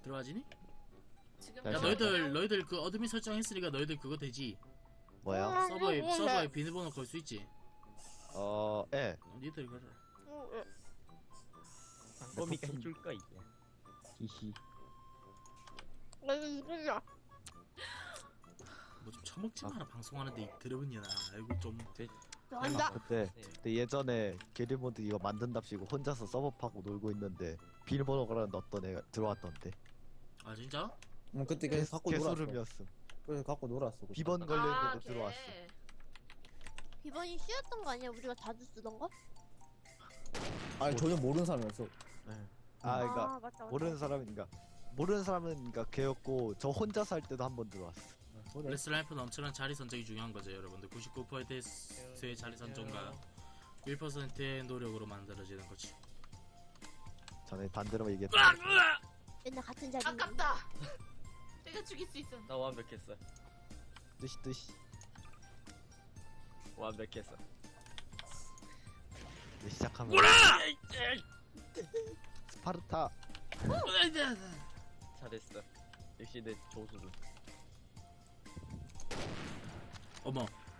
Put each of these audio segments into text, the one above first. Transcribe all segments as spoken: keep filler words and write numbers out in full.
들어가지니? 지금 야 너희들 너희들 그 어드민 설정했으니까 너희들 그거 되지? 뭐야? 서버에 서버에 비밀번호 걸 수 있지? 어, 예. 어, 니들 걸어. 꼬미가 해줄까 이게. 히히. 뭐 좀 처먹지 마라. 방송하는데 이 더러운 년아. 아이고 좀. 한다. 그때, 그때 예전에 게리모드 이거 만든답시고 혼자서 서버 파고 놀고 있는데 비밀번호 걸었는데 어떤 애가 들어왔던데. 아 진짜? 응, 그때 계속 갖고 놀았어. 개소름이었음. 그래서 갖고 놀았어. 비번 아, 걸렸는데도 걔. 들어왔어. 비번이 쉬웠던 거 아니야? 우리가 자주 쓰던 거? 아니 전혀 모르는 사람이었어. 아, 그니까 맞다, 맞다. 모르는 사람인가. 모르는 사람은 그니까 걔였고 저 혼자 살 때도 한 번 들어왔어. 레슬라이프는 엄청난 자리 선정이 중요한 거죠, 여러분들. 구십구 퍼센트의 자리 선정과 일 퍼센트의 노력으로 만들어지는 거지. 전에 반대로 얘기했다. 맨날 같은 자리. 아깝다. 내가 죽일 수 있어. 나 완벽했어. 뜨시 뜨시. 완벽했어. 이제 시작하면. 뭐라! 스파르타. 잘했어. 역시 내 조수를. 어머.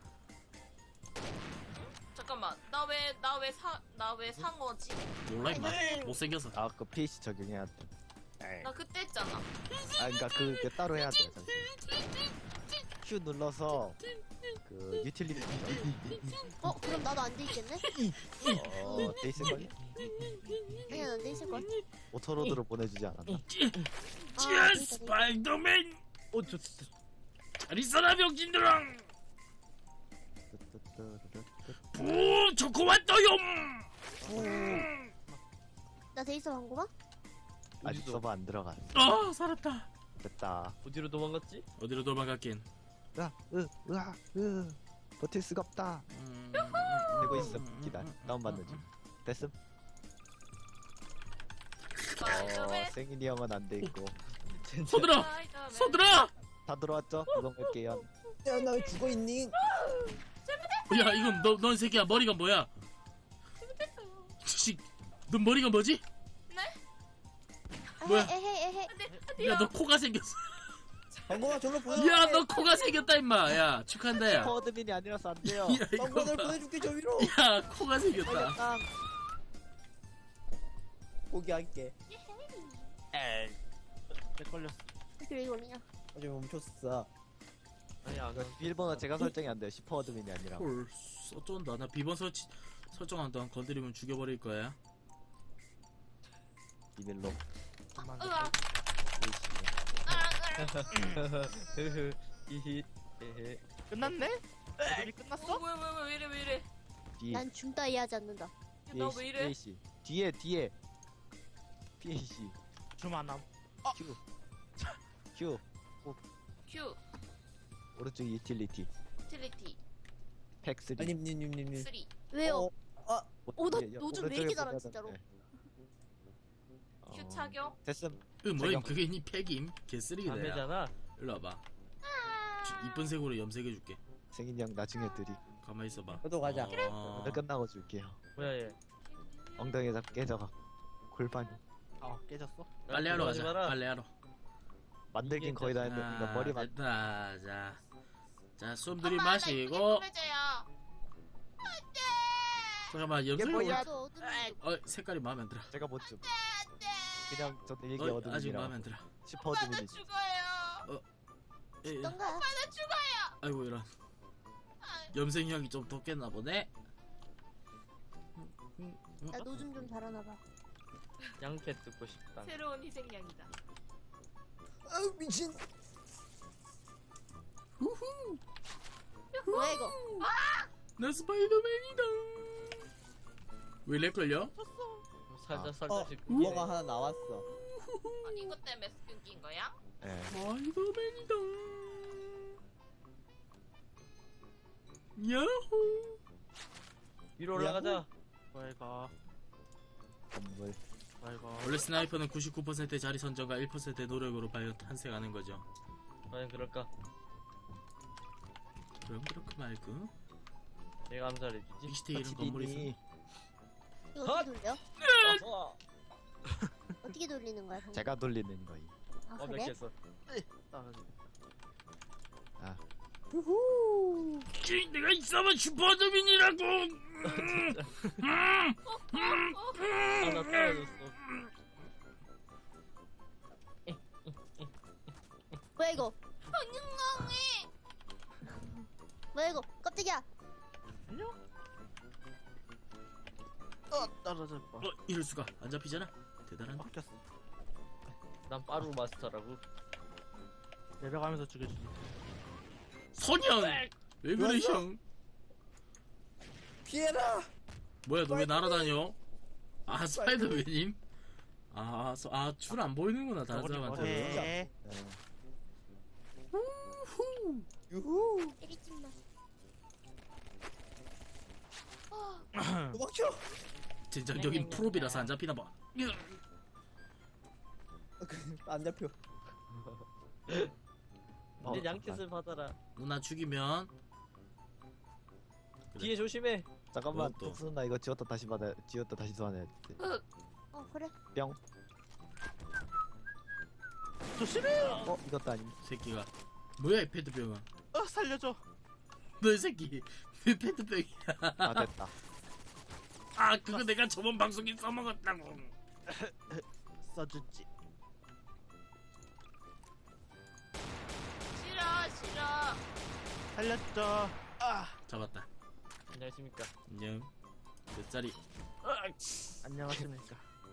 잠깐만. 나 왜 나 왜 사 나 왜 상어지? 몰라 임마. 못생겨서. 아, 그 피에이치 적용해야 돼. 에이. 나 그때 했잖아. 아, 그니까 그게 따로 해야 돼. 잠시만. Q 눌러서 그 유틸리티. 어? 그럼 나도 안 돼 있겠네? 어, 돼 있을 걸? 아니야, 난 돼 있을걸? 오토로드로 보내주지 않았나? 아, 찌 스파이더맨. 어, 저, 잘 있어라 병신들아. 부 초코 왔어요. 나 돼 있어, 방구만? 아직 서버 안 들어갔어. 아 살았다. 됐다. 어디로 도망갔지? 어디로 도망갔긴. 으아, 으, 으아, 으. 버틸 수가 없다. 음, 되고 있음. 기다려. 다운받는 중. 됐음. 어, 스파이더맨. 생일이 형은 안 돼 있고. 서들어. 스파이더맨. 서들어. 다 들어왔죠? 그건 갈게요. 야, 나 왜 죽어 있니? 야 이건 너넌 새끼야 머리가 뭐야? 잘못했어요. 씨, 너 머리가 뭐지? 아, 뭐야? 에헤, 에헤. 야 너 코가 생겼어. 방구만 절로 보내. 야 너 코가 생겼다 임마. 야 축하한다 야. 퍼드민이 아니라서 안 돼요. 야 이거 방구만 널 봐. 보내줄게 저 위로. 야 코가 생겼다. 땅. 포기할게. 에이. 내 걸렸어. 이렇게 왜 걸리냐? 어제 멈췄어. 아니, 안 가. 비밀번호 제가 설정이 안 돼요. 십 퍼드민이 아니라. 헐 어쩐다. 나 비번 설치 설정한다. 건드리면 죽여버릴 거야. 비밀로. 으아. 흐흐. 히히. 에헤. 끝났네? 이미 끝났어? 어, 왜왜 왜 이래 왜 이래? 뒤에. 난 줌 따위 하지 않는다. 나 왜 이래? 피에이씨. 뒤에 뒤에. 피에이씨. 주만함. Q. Q. 큐. 오른쪽 유틸리티. 유틸리티 팩 쓰리. 아님, 님, 님, 님, 님. 쓰리. 왜요? 어, 아, 오, 나 예, 요즘 왜 오른쪽에 이렇게 잘하, 보면은, 진짜로? 네. 큐 어, 착용. 됐음. 으 뭐임 잠깐. 그게 니 팩임? 개쓰레기다 야. 담배잖아. 일로 와봐. 주- 이쁜 색으로 염색해줄게. 생인이 형 나중에 드리. 가만히 있어봐. 저도 가자. 어... 오늘 끝나고 줄게요. 뭐야, 얘. 엉덩이에 잡 깨져가. 골반이. 아, 깨졌어? 빨래하러 가자. 빨래하러. 만들긴 거의 다 했는데 이거 머리만. 됐다. 자, 자, 숨 엄마, 나 들이마시고. 이쁘게 꾸며줘요. 잠깐만 이게 염색. 뭐야? 저 어둠이 어 색깔이 마음에 안 들어. 제가 못 좀. 그냥 저는 일기 어, 어둠이라고. 아직 마음에 안 들어. 십 오빠 나 퍼드민이지. 죽어요. 예, 예. 던가. 나 죽어요. 아이고 이런. 염색 향이 좀 덥겠나 보네. 나 노즘 좀 잘하나봐. 양캐 듣고 싶다. 새로운 희생양이다. 아우, 미친. 뭐야, 이거? 나 스파이더맨이다. 왜 렉 걸려? 살짝, 아. 살짝씩. 어, 뭐가 하나 나왔어. 아니 이것 때문에 끊긴 거야? 예. 스파이더맨이다. 야호. 위로 올라가자. 빨가 건물. 빨가 원래 스나이퍼는 구십구 퍼센트의 자리 선정과 일 퍼센트의 노력으로 과연 탄생하는 거죠. 과연 그럴까? 그럼 그렇고 말고. 내가 암살해주지. 이시티 이런 건물이 있어. 지디니. 이거 어떻게 돌려? 어, 어떻게 돌리는 거야, 방금? 제가 돌리는 거임. 아 그래? 완벽했어. 우후. 내가 있어봐 슈퍼드민이라고. 아나 떨어졌어. 뭐야 이거? 엉엉해. 뭐야 이거? 깜짝이야. 어 떨어질 뻔. 어 이럴 수가 안 잡히잖아. 대단한데. 바뀌었어. 난 빠루 마스터라고. 내려가면서 죽여주지. 선영. 왜 그래 좋았어? 형? 피해라. 뭐야 너 왜 날아다녀? 아 스파이더맨님? 아아줄 안 보이는구나 다른 저거리 사람한테. 뭐해? 유후. 때리지 마. 도망쳐. 진정적인 프로비라서 안 잡히나 봐. 안 잡혀. 어, 이제 양켓을 받아라. 누나 죽이면 그래. 뒤에 조심해. 잠깐만 뭐 또? 톡스 나 이거 지웠다 다시 받아 지웠다 다시 소환해야 돼. 어 그래. 뿅. 조심해요. 어 이것도 아님. 새끼가 뭐야 이 페트병아. 어 살려줘. 너 이 새끼 왜 페트병이야? 아 됐다. 아 그거 내가 저번 방송에 써먹었다고. 써주지. 싫어 싫어. 살렸죠. 아 잡았다. 안녕하십니까. 안녕. 몇 자리? 안녕하십니까.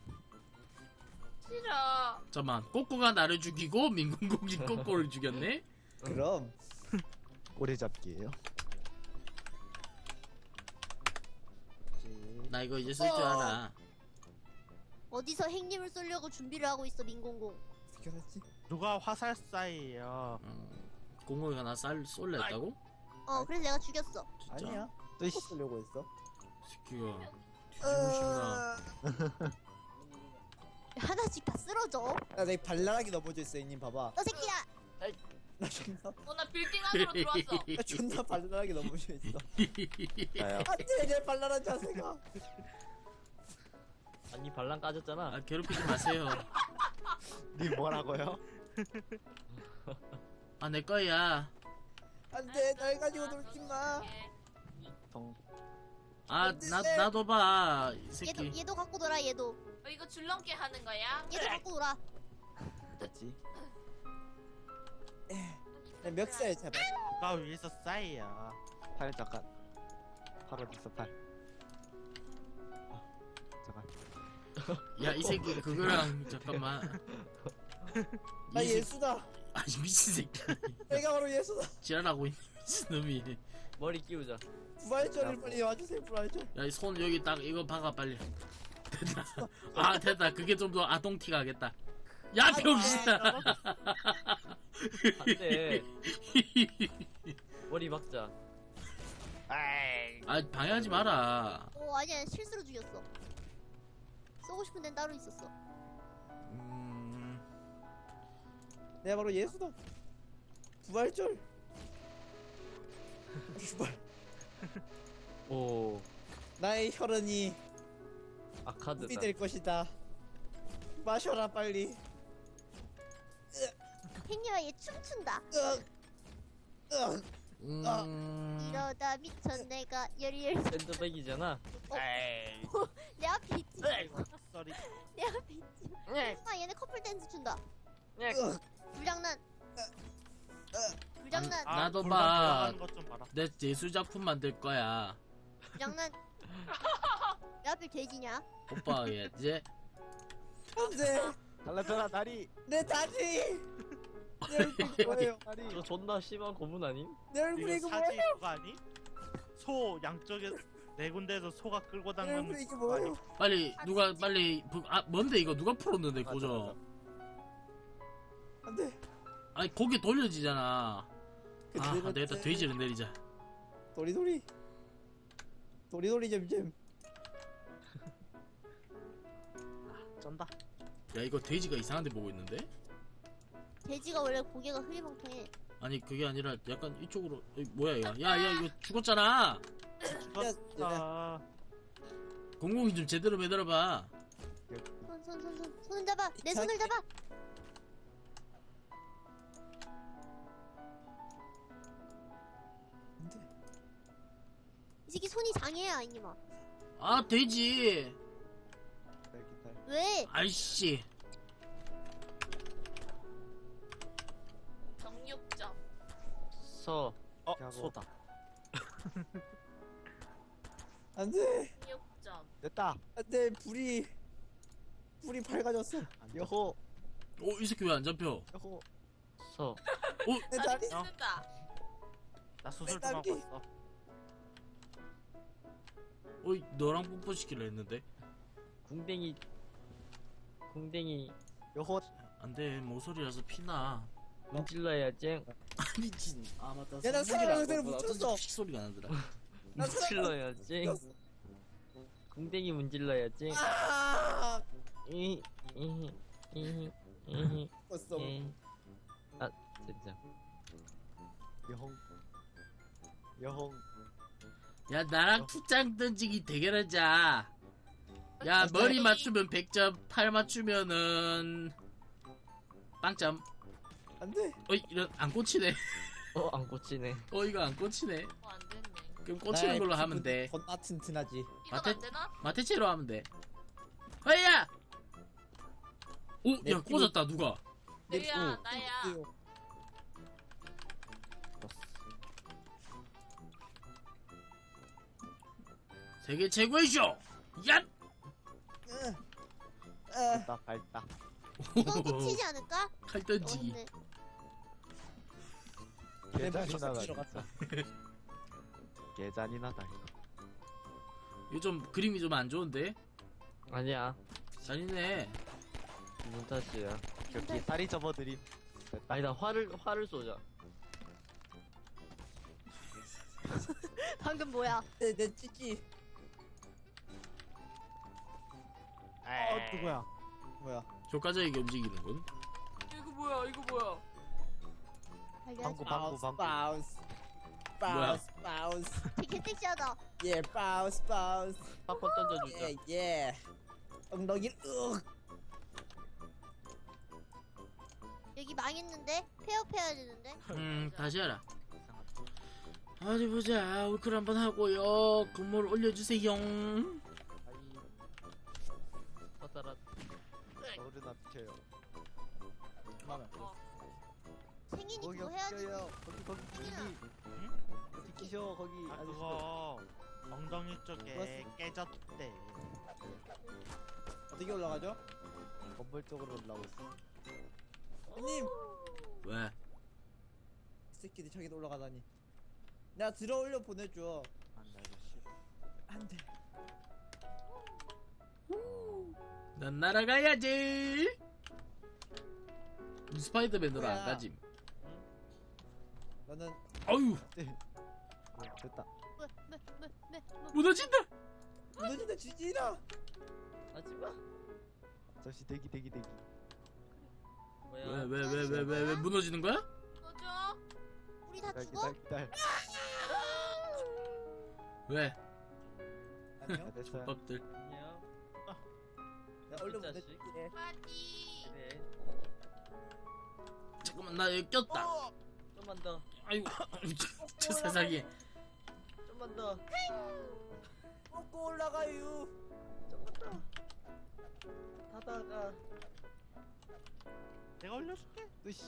싫어. 잠만 꼬꼬가 나를 죽이고 민공공이 꼬꼬를 죽였네? 그럼 꼬리잡기예요. 나 이거 이제 쓸 줄 알아. 어디서 행님을 쏠려고 준비를 하고 있어 민공공. 지켜놨지. 누가 화살사예요. 어, 공공이가 나 쌀 쏠래 했다고? 어 그래서 내가 죽였어. 진짜? 아니야. 또 씨. 또 쓰려고 했어. 새끼가 뒤집으신가. 하나씩 다 쓰러져. 야, 내 발랄하게 넘어져 있어, 이님 봐봐. 너 새끼야. 나 존나, 어나 빌딩 안으로 들어왔어. 나 존나 발랄하게 넘어져 있어. 나요. 안돼, 내 발랄한 자세가. 아니 발랑 까졌잖아. 아 괴롭히지 마세요. 니 뭐라고요? 아 내 거야. 안돼, 날 가지고 놀지 마. 동. 아 나 나도 봐 이 새끼. 얘도 얘도 갖고 놀아 얘도. 어, 이거 줄넘기 하는 거야? 얘도 갖고 놀아. 됐지. 내 멱살 잡아. 누가 위에서 싸이야. 팔 잠깐. 팔 어디 있어 팔. 아, 잠깐. 야 이 새끼 그거랑 잠깐만. 나 이 새끼- 예수다. 아니 미친 새끼. 내가 바로 예수다. 지랄하고 있는 미친놈이. 머리 끼우자. 부활절을 빨리 와주세요, 부활절. 야 이 손 여기 딱 이거 박아 빨리. 됐다. 아 됐다. 그게 좀 더 아동티가 하겠다. 야 병신아. 안돼. 머리 박자. 아이. 아 방해하지 마라. 어 아니야 실수로 죽였어. 쏘고 싶은 데는 따로 있었어. 음... 내가 바로 예수다. 부활절. 부활. 오. 나의 혈흔이 아카드다. 물이 될 것이다. 마셔라 빨리. 행님아 얘 춤춘다. 으악. 으악. 음... 이러다 미쳐 내가 열일. 샌드백이잖아. 에이. 내 앞에 있지. 쏘리. 내 앞에 있지. 아 얘네 커플 댄스 춘다. 으악. 불장난. 불장난. 아, 나도 골반 봐. 돌아가는 것 좀 봐라. 내 예술 작품 만들 거야. 불장난. 내 앞에 돼지냐? 오빠 해야지. 안돼. 달라져라 다리. 내 다리. 내 얼굴이 뭐예요? 다리. 저 존나 심한 고문 아님? 내 얼굴이 이거 이거 사지 뭐예요? 그거 아니? 소 양쪽에 네 군데에서 소가 끌고 내 다니는 얼굴이 이게 그거 아니? 뭐예요? 빨리 누가 빨리 부- 아 뭔데 이거 누가 풀었는데 고정. 안돼. 아니 고개 돌려지잖아. 그 아 내가 내가 때- 돼지를 내리자. 도리도리. 도리도리 잼잼. 쩐다. 야 이거 돼지가 이상한데 보고 있는데? 돼지가 원래 고개가 흐리멍텅해. 아니 그게 아니라 약간 이쪽으로 이, 뭐야 이거? 야야 이거 죽었잖아. 죽었다. 공공이 좀 제대로 매달아봐. 손 손 손 손 손을 잡아. 내 손을 잡아. 이 새끼 손이 장애야 이님아. 아 되지. 기다려, 기다려. 왜? 아이씨. 정육점. 서. 어 하고. 소다. 안돼 정육점. 됐다. 안돼 불이 불이 밝아졌어. 여호, 어 이 새끼 왜 안 잡혀? 여호. 서. 내 나 다리. 죽는다. 나 수술 좀 딸기. 하고 있어. 어이 너랑 뽀뽀 시키려 했는데. 궁뎅이. 궁뎅이 여호. 안돼 모서리라서 피나. 문질러야 쨍. 아 미친. 아 맞다. 야, 나 성질이 사랑하는 안 새를 나고 묻혔어. 어쩐지 픽 소리가 나더라. 나 문질러야 쨍. 궁뎅이 문질러야 쨍. 아 이, 이, 이, 이, 죽었어. 이. 아, 진짜. 여홍. 여홍. 야 나랑 투짱 던지기 대결하자. 야 오케이. 머리 맞추면 백 점, 팔 맞추면은 빵점. 안돼. 어이 이런 안 꽂히네. 어, 안 꽂히네. 어 이거 안 꽂히네. 어, 안 됐네. 그럼 꽂히는 걸로 하면 돼. 건나 튼튼하지. 이건 마태- 안 되나? 마테체로 하면 돼. 어이야. 오, 내 야 피부- 꽂았다 누가? 내야 내- 나야. 세계 최고의 쇼. 야. 으, 아, 됐다, 밝다. 이건 끝이지 않을까? 칼 던지기. 어렵네. 내 계단이나 머리 다. 들어갔다. 계단이나 다. 이거 좀 그림이 좀 안 좋은데? 아니야. 잔인해. 기분 탓이야. 여기 다리 접어드림. 됐다. 아니다, 화를, 화를 쏘자. 방금 뭐야? 내, 내 찌찌. 어 누구야? 뭐야? 효과적이게 움직이는군. 이거 뭐야? 이거 뭐야? 알려줘. 방구, 방구, 방구. 바운스 바운스 바운스. 되게 섹시하다. 예 바운스 바운스. 팝콘 던져주자. 예 예. 엉덩이를 으. 여기 망했는데? 폐업해야 되는데? 음 다시 하라. 어디 보자. 울클 한번 하고요. 건물 올려주세요. 커다란. 어른아 비켜요. 그만해. 생인이 거기 그거 해야지. 비켜요. 거기 거기 생인아. 거기. 거기 비키셔 거기. 아 아저씨. 그거 엉덩이 쪽에 그거- 깨졌대. 어떻게 올라가죠? 건물 쪽으로 올라오고 있어. 형님 왜? 이 새끼들 저기도 올라가다니. 나 들어올려 보내줘. 안돼 아저씨. 안돼. 난 날아가야지. 스파이더맨으로 안 뭐야? 가짐. 너는 아유 네, 됐다. 뭐, 뭐, 뭐, 뭐, 뭐. 무너진다. 무너진다 지지라. 하지마. 잠시 대기 대기 대기. 뭐야. 왜 왜 왜 왜 왜 왜 무너지는 거야? 꺼져. 우리 다 기다려 죽어? 기다려 기다려. 왜? 안녕. 아, 됐어요. 밥들. 안녕. 나 얼른 이 자식. 보내줄게. 빠지. 그래. 잠깐만 나 여기 꼈다. 어! 좀만 더. 아이고 저 세상에. 좀만 더. 먹고 올라가요. 좀만 더. 하다가. 내가 올려줄게. 으씨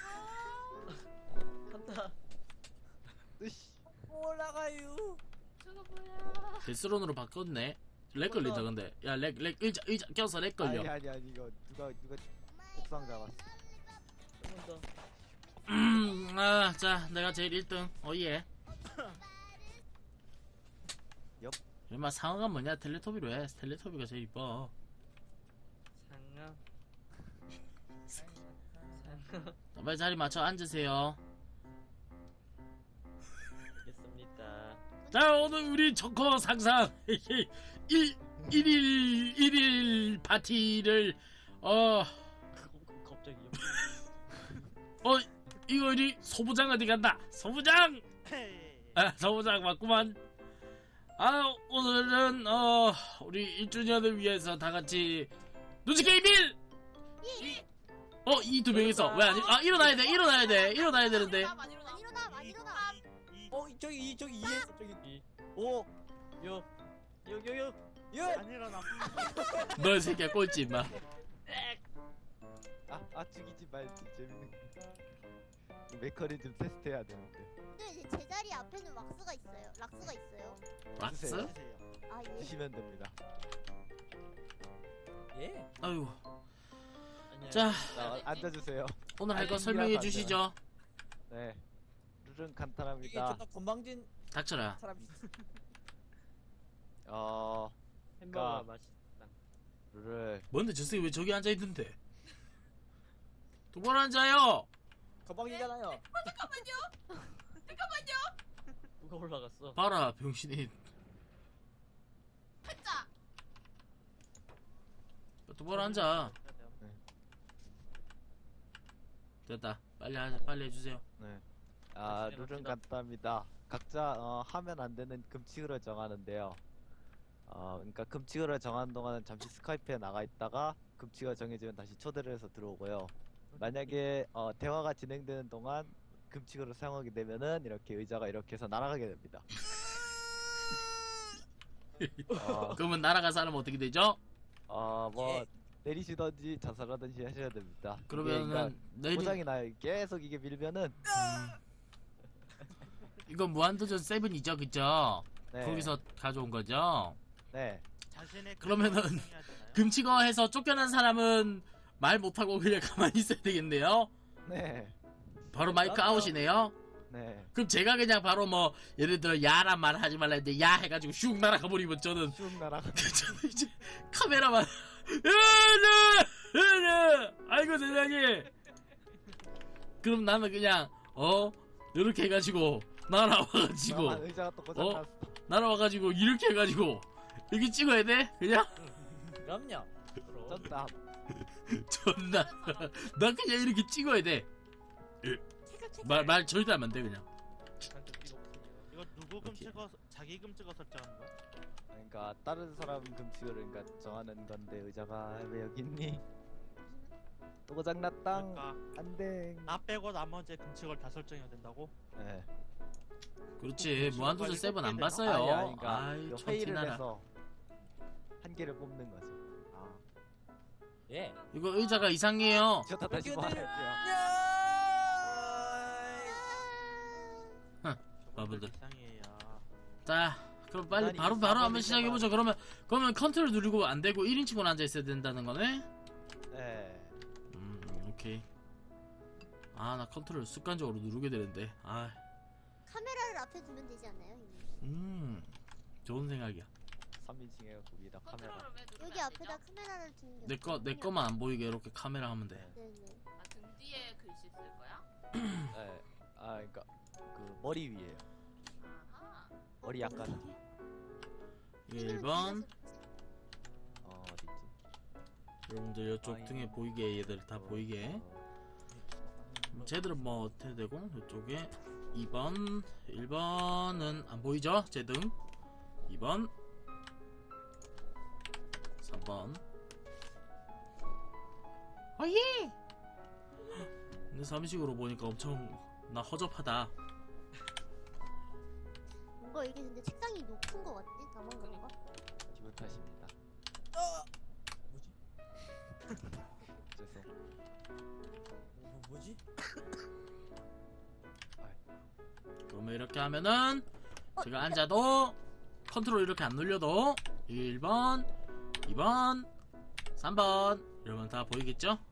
간다. 으씨. 먹고 올라가요. 저거 뭐야? 데스론으로 바꿨네. 렉 걸린다 근데. 야렉 렉 의자 의자 껴서 렉 걸려. 아니 아니 아니 이거 누가 누가 옥상 잡았어. 좀만 더. 음, 아, 자, 내가 제일 일 등. 어예. 옆. 얼마 상어가 뭐냐? 텔레토비로 해. 텔레토비가 제일 이뻐. 상아. 상아. 빨리 자리 맞춰 앉으세요. 알겠습니다. 자, 오늘 우리 조커 상상 일 일일 일일 파티를 어, 갑자기. 어, 이거 우리 소부장 어디 간다? 소부장! 아, 소부장 맞구만. 아, 오늘은 어, 우리 일 주년을 위해서 다 같이 눈치 게임일! 어, 이 두 명이서 왜 아니? 아, 일어나야 돼, 일어나야 돼, 일어나야 되는데. 안 일어나. 안 일어나, 안 일어나. 어 저기 이 저기 이에서 저기. 이. 오, 육, 육, 육, 육. 육. 아니라 나 너 이 새끼야 꼴찌 임마. 아, 아 죽이지 말지 재밌는 거. 메커니즘 테스트해야 되는데. 근데 이제 제자리 앞에는 왁스가 있어요. 락스가 있어요. 락스? 주세요. 주세요. 아 예. 주시면 됩니다. 예. 아유. 아니야. 자 자, 앉아주세요. 오늘 할 거 아니, 설명해 미안하다. 주시죠. 네. 룰은 이게 간단합니다. 존나 건방진 닥쳐라. 사람이. 어, 햄버거 그러니까- 맛있다. 룰을 뭔데 저 새끼 왜 저기 앉아 있는데? 똑바로 앉아요. 건방지잖아요. 누가 올라갔어? 봐라 병신이. 팔자. 똑바로 앉아. 됐다. 빨리 하자. 빨리 해주세요. 네. 아, 같이 룰은 해봅시다. 간단합니다. 각자 어, 하면 안 되는 금칙을 정하는데요. 어, 그러니까 금칙을 정하는 동안은 잠시 스카이프에 나가 있다가 금칙을 정해지면 다시 초대를 해서 들어오고요. 만약에 어, 대화가 진행되는 동안 금칙을 사용하게 되면은 이렇게 의자가 이렇게 해서 날아가게 됩니다. 어, 그러면 날아간 사람 어떻게 되죠? 어, 뭐 예. 내리시던지 자살하든지 하셔야 됩니다. 이게 그러면은 그러니까 내리 고장이 나요. 계속 이게 밀면은 이거 무한도전 세븐이죠, 그죠? 네. 거기서 가져온 거죠. 네. 자신의 그러면은 감정을 해야 되나요? 금치거 해서 쫓겨난 사람은 말 못하고 그냥 가만히 있어야 되겠네요. 네. 바로 마이크 아웃이네요. 네. 그럼 제가 그냥 바로 뭐 예를 들어 야란 말 하지 말라 했는데 야 해가지고 슉 날아가 버리면 저는 쭉 날아가. 저는 이제 카메라만 으르 으르 아이고 세상에. 그럼 나는 그냥 어 이렇게 해가지고 날아와가지고 아, 의자가 또 고장 어? 났어. 날아와가지고 이렇게 해가지고 이렇게 찍어야 돼? 그냥 그럼요. 그럼. 쩐다. 존나 나 그냥 이렇게 찍어야 돼. 말 말 절대 하면 안 돼 그냥. 한쪽 필요 없으니까. 이거 누구 금 오케이. 찍어 자기 금 찍어 설정하는 거야? 그러니까 다른 사람 금칙을 그러니까 정하는 건데 의자가 왜 여기 있니? 또 고장 났당. 그러니까 안돼. 나 빼고 나머지 금칙을 다 설정해야 된다고? 네. 그렇지 무한도전 이거 세븐 안 되나? 봤어요. 아니, 아니, 그러니까 아이 이거 저 회의를 티나라. 해서 한 개를 뽑는 거죠. 아. 예. 이거 의자가 이상해요. 저다 다시 말할게요. 바보들. 이상해요. 자 그럼 빨리 아니, 바로 이거 바로 사번 한번 시작해보죠. 의자가- 그러면 그러면 컨트롤 누르고 안 되고 일 인칭으로 앉아 있어야 된다는 거네. 네. 음 오케이. 아 나 컨트롤 습관적으로 누르게 되는데. 아 카메라를 앞에 두면 되지 않나요? 형님? 음 좋은 생각이야. 삼 인칭 해갖고 위에다 카메라. 컨트롤을 왜 누르면 여기 안 앞에다 되죠? 카메라를 두는 게 내 거 내 없거든요. 거만 안 보이게 이렇게 카메라 하면 돼. 네네. 아, 등 뒤에 글씨 쓸 거야? 네. 아 그러니까 그 머리 위에요. 아하. 머리 약간 이게 이거는 일 번. 뒤에서 찍지. 어 어디지? 여러분들 이쪽 아이. 등에 보이게 얘들 다 보이게. 어, 쟤들은 뭐 어떻게 되고 이쪽에 이 번 일 번은 안 보이죠? 쟤 등 이 번 삼 번 아예 근데 삼식으로 보니까 엄청 나 허접하다. 뭔가 이게 근데 책상이 높은 거 같지? 나만 그런가? 기분 탓입니다. 어. 뭐지? 죄송. 뭐, 뭐지? 그러면 이렇게 하면은 제가 앉아도 컨트롤 이렇게 안 눌려도 일 번 이 번 삼 번 이러면 다 보이겠죠?